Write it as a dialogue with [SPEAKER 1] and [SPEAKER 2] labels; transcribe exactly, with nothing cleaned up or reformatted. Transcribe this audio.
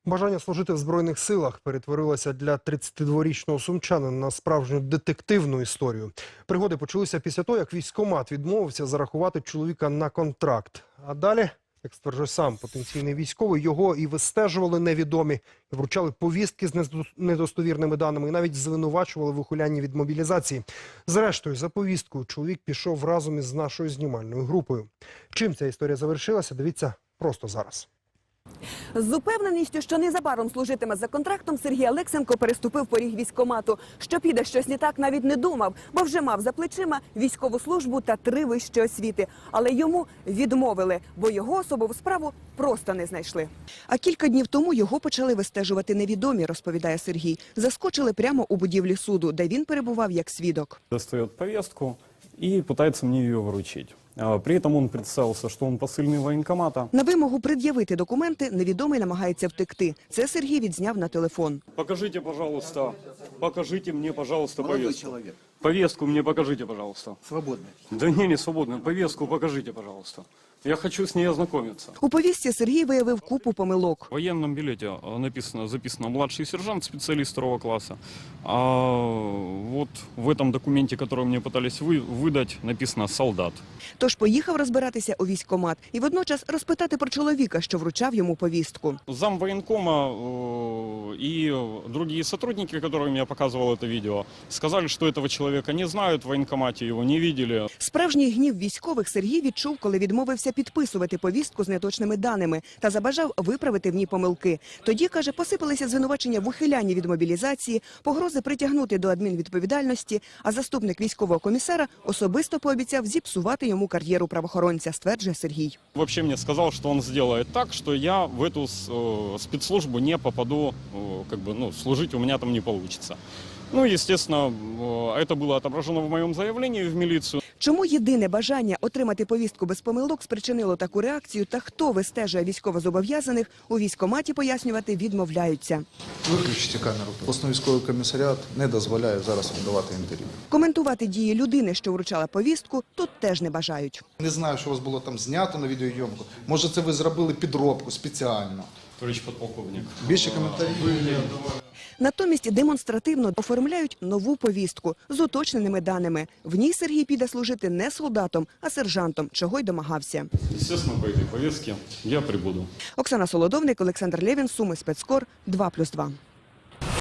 [SPEAKER 1] Бажання служити в Збройних силах перетворилося для тридцятидворічного сумчанина на справжню детективну історію. Пригоди почалися після того, як військкомат відмовився зарахувати чоловіка на контракт. А далі, як стверджує сам потенційний військовий, його і вистежували невідомі, і вручали повістки з недостовірними даними, і навіть звинувачували в ухилянні від мобілізації. Зрештою, за повісткою чоловік пішов разом із нашою знімальною групою. Чим ця історія завершилася, дивіться просто зараз.
[SPEAKER 2] З упевненістю, що незабаром служитиме за контрактом, Сергій Алексенко переступив поріг військкомату. Що піде щось не так, навіть не думав, бо вже мав за плечима військову службу та три вищі освіти. Але йому відмовили, бо його особову справу просто не знайшли. А кілька днів тому його почали вистежувати невідомі, розповідає Сергій. Заскочили прямо у будівлі суду, де він перебував як свідок.
[SPEAKER 3] Достає повістку і намагається мені її вручити. При этом он представился, что он посыльный военкомата.
[SPEAKER 2] На вимогу пред'явити документи невідомий намагається втекти. Це Сергій відзняв на телефон.
[SPEAKER 3] Покажите, пожалуйста, покажите мне, пожалуйста, повестку. Повестку мне покажите, пожалуйста.
[SPEAKER 4] Свободный.
[SPEAKER 3] Да не, не свободную. Повестку покажите, пожалуйста. Я хочу с ней ознакомиться.
[SPEAKER 2] У повістці Сергій виявив купу помилок.
[SPEAKER 3] В военном билете написано, записано младший сержант, специалист второго класса. А вот в этом документе, который мне пытались вы, выдать, написано солдат.
[SPEAKER 2] Тож поїхав розбиратися у військкомат і водночас розпитати про чоловіка, що вручав йому повістку.
[SPEAKER 3] Зам военкома э, и другие сотрудники, которым я показывал это видео, сказали, что этого человека не знают в военкомате, его не видели.
[SPEAKER 2] Справжній гнів військових Сергій відчув, коли відмовився підписувати повістку з неточними даними та забажав виправити в ній помилки. Тоді, каже, посипалися звинувачення в ухилянні від мобілізації, погрози притягнути до адмінвідповідальності, а заступник військового комісара особисто пообіцяв зіпсувати йому кар'єру правоохоронця, стверджує Сергій.
[SPEAKER 3] Вообще мне сказал, что он сделает так, что я в эту э, спецслужбу не попаду, э, как бы, ну, служить у меня там не получится. Ну, естественно, э, это было отображено в моем заявлении в милицию.
[SPEAKER 2] Чому єдине бажання отримати повістку без помилок спричинило таку реакцію та хто вистежує військовозобов'язаних, у військкоматі пояснювати відмовляються.
[SPEAKER 4] Виключити камеру. Обласний військовий комісаріат не дозволяє зараз видавати інтерв'ю.
[SPEAKER 2] Коментувати дії людини, що вручала повістку, тут теж не бажають.
[SPEAKER 4] Не знаю, що у вас було там знято на відеойомку. Може, це ви зробили підробку спеціально.
[SPEAKER 3] Товарищ подполковник.
[SPEAKER 4] Більше коментарів.
[SPEAKER 2] Натомість демонстративно оформляють нову повістку з уточненими даними. В ній Сергій піде служити не солдатом, а сержантом, чого й домагався.
[SPEAKER 3] Естественно, по этой повестке я прибуду.
[SPEAKER 2] Оксана Солодовник, Олександр Левін, Суми, Спецкор, два плюс два.